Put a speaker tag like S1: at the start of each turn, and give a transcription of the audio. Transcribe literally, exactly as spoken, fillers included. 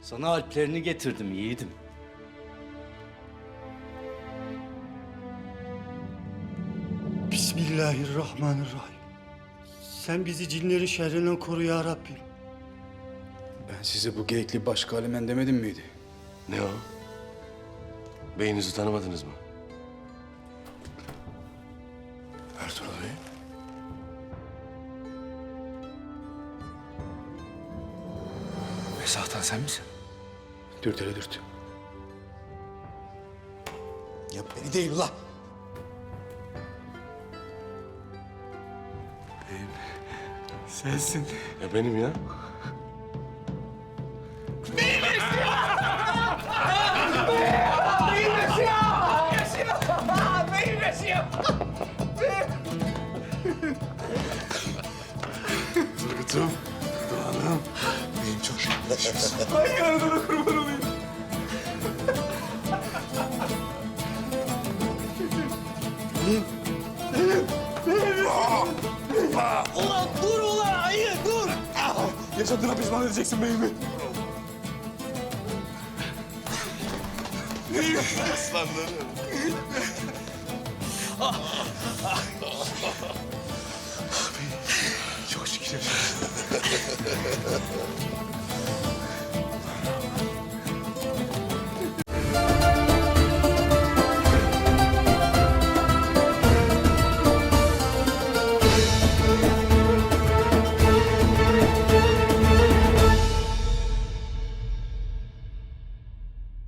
S1: Sana alplerini getirdim yiğidim.
S2: Bismillahirrahmanirrahim. Sen bizi cinlerin şerrinden koru ya Rabbim.
S3: Ben size bu geyikli Başkalemen demedim miydi?
S4: Ne o? Beyinizi tanımadınız mı? Ertuğrul Bey.
S3: Mesahtan sen misin? Dürt hele dürt.
S5: Ya beni değil ulan.
S3: Sensin.
S4: Ya benim ya. Turgut'um, Doğan'ım.
S5: Benim çok arkadaşımsın.
S2: Ulan dur ulan ayı dur.
S5: Yaşadığına pişman edeceksin beyimi.
S4: Aslanlarım.
S5: Çok şükür yaşadın.